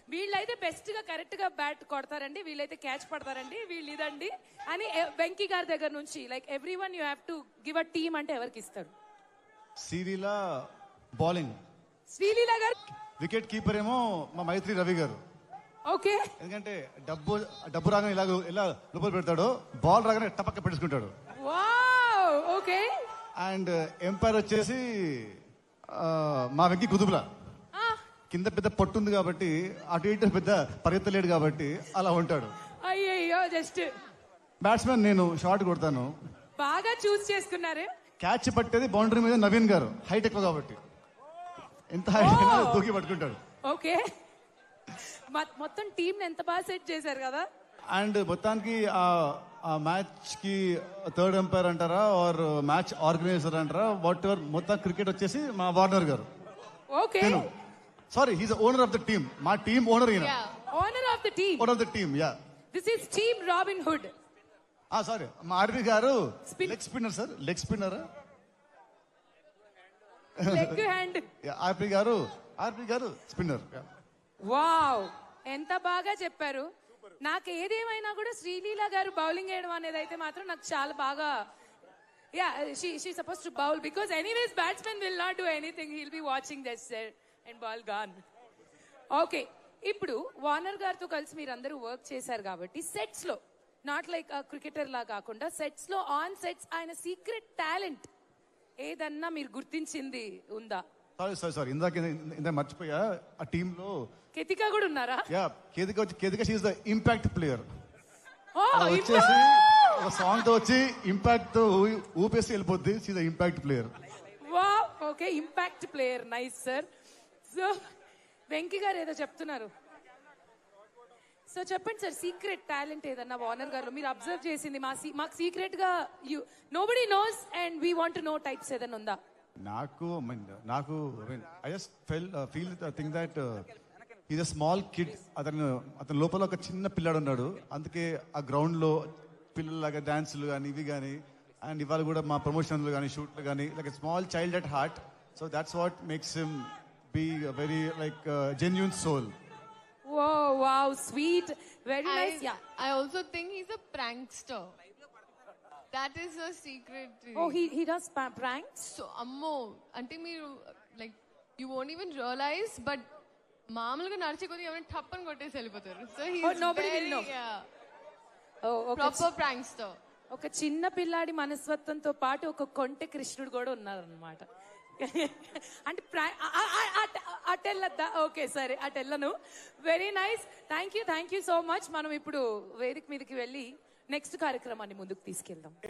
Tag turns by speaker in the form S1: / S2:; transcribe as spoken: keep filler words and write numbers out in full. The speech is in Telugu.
S1: వీళ్ళైతే బెస్ట్ గా కరెక్ట్ గా బ్యాట్ కొడతారండి, వీళ్ళైతే క్యాచ్ పడతారండి, వీళ్ళు ఇదండి అని వెంకీ గారి దగ్గర నుంచి like every one you have to give a team అంటే ఎవరికి ఇస్తారు?
S2: శ్రీలీల బౌలింగ్,
S1: శ్రీలీల గారు.
S2: వికెట్ కీపర్ ఏమో మా మైత్రి రవి గారు.
S1: ఓకే,
S2: ఎందుకంటే డబ్బు డబ్బు రాగానే ఇలా ఇలా లోపల పెడతాడు, బాల్ రాగానే టపక్క పెట్టేసుకుంటాడు.
S1: Wow, okay.
S2: అండ్ ఎంపైర్ వచ్చేసి ఆ, మా వెంకీ కుదుపుల. కింద పెద్ద పట్టు ఉంది కాబట్టి అటు ఇటు పెద్ద పరిగెత్తలేడు కాబట్టి అలా ఉంటాడు.
S1: అయ్యయ్యో, జస్ట్
S2: బ్యాట్స్మెన్ నేను షాట్ కొడతాను.
S1: బాగా చూస్ చేసుకున్నారు.
S2: క్యాచ్ పట్టేది బౌండరీ మీద నవీన్ గారు, హైట్ ఎక్కువ కాబట్టి ఎంత హైట్ అయినా దూకి పట్టుకుంటాడు.
S1: ఓకే, మొత్తం టీం ఎంత బాగా సెట్ చేశారు కదా.
S2: అండ్ మొత్తానికి ఆ మ్యాచ్ కి థర్డ్ ఎంపైర్ అంటారా ఆర్ మ్యాచ్ ఆర్గనైజర్ అంటారా, వాట్ ఎవర్, మొత్తం క్రికెట్ వచ్చేసి మా వార్నర్ గారు.
S1: Okay,
S2: sorry, he's owner of the team. మా టీమ్ ఓనర్ ఈయన.
S1: Owner of the team.
S2: Owner of the team, yeah.
S1: This is team Robin Hood.
S2: ఆ సారీ, మా ఆర్పి గారు leg spinner sir, leg spinner.
S1: Leg hand.
S2: RP గారు ఆర్పి గారు స్పిన్నర్.
S1: వావ్, ఎంత బాగా చెప్పారు. నాకు ఏదేమైనా కూడా శ్రీలీల గారు బౌలింగ్ వేయడం అనేది అయితే మాత్రం నాకు చాలా బాగా, yeah, she she suppose to bowl because anyways batsmen will not do anything, he'll be watching that set and ball gone. Okay, ఇప్పుడు వార్నర్ గారితో కలిసి మీరు అందరూ వర్క్ చేశారు కాబట్టి సెట్స్ లో, నాట్ లైక్ క్రికెటర్ లా కాకుండా సెట్స్ లో, ఆన్ సెట్స్ ఆయన సీక్రెట్ టాలెంట్ ఏదన్నా మీరు గుర్తించింది ఉందా?
S2: సారీ సారీ సారీ ఇందాక ఇందాక మర్చిపోయా, ఆ టీమ్ లో
S1: కేతిక కూడా ఉన్నారా?
S2: యా, కేతిక వచ్చి Ketika she is the impact player.
S1: Oh,
S2: వచ్చేసి ఒక సాంగ్ తో వచ్చి ఇంపాక్ట్ తో ఊపేసి వెళ్ళిపోద్ది. She the impact player.
S1: Wow, okay, impact player, nice sir. So Venky గారు ఏదో చెప్తున్నారు, సో చెప్పండి సార్. సీక్రెట్ టాలెంట్ ఏదన్నా వార్నర్ గారు మీరు అబ్జర్వ్ చేసింది, మా మాకు సీక్రెట్ గా you nobody knows and we want to know types ఏదన్నా ఉందా?
S2: నాకు నాకు I just fell feel think that is a small kid. అతను అతని లోపల ఒక చిన్న పిల్లాడు ఉన్నాడు. అందుకే ఆ గ్రౌండ్ లో పిల్లలాగా డాన్సులు కానీ ఇవి కానీ, అండ్ ఇవాళ కూడా మా ప్రమోషన్లు కానీ షూట్లు కానీ like small child at heart. So that's what makes him be very like genuine soul.
S1: Whoa, wow, sweet, very
S3: I,
S1: nice. Yeah,
S3: I also think he's a prankster. That is a secret.
S1: oh, he he does pa- pranks.
S3: So ammo ante meer like you won't even realize, but మామూలుగా నడిచే కొద్ది ఏమైనా టప్పని కొట్టేసి వెళ్ళిపోతారు. So he
S1: Oh, nobody will know. Oh, okay.
S3: Proper prankster.
S1: ఒక చిన్న పిల్లాడి మనస్తత్వంతో పాటు ఒక కొంటె కృష్ణుడు కూడా ఉన్నారనమాట. అంటే అటెల్లద్దా? ఓకే, సరే, అటెల్లను. Very nice, thank you thank you so much. మనం ఇప్పుడు వేదిక మీదకి వెళ్ళి నెక్స్ట్ కార్యక్రమాన్ని ముందుకు తీసుకెళ్దాం.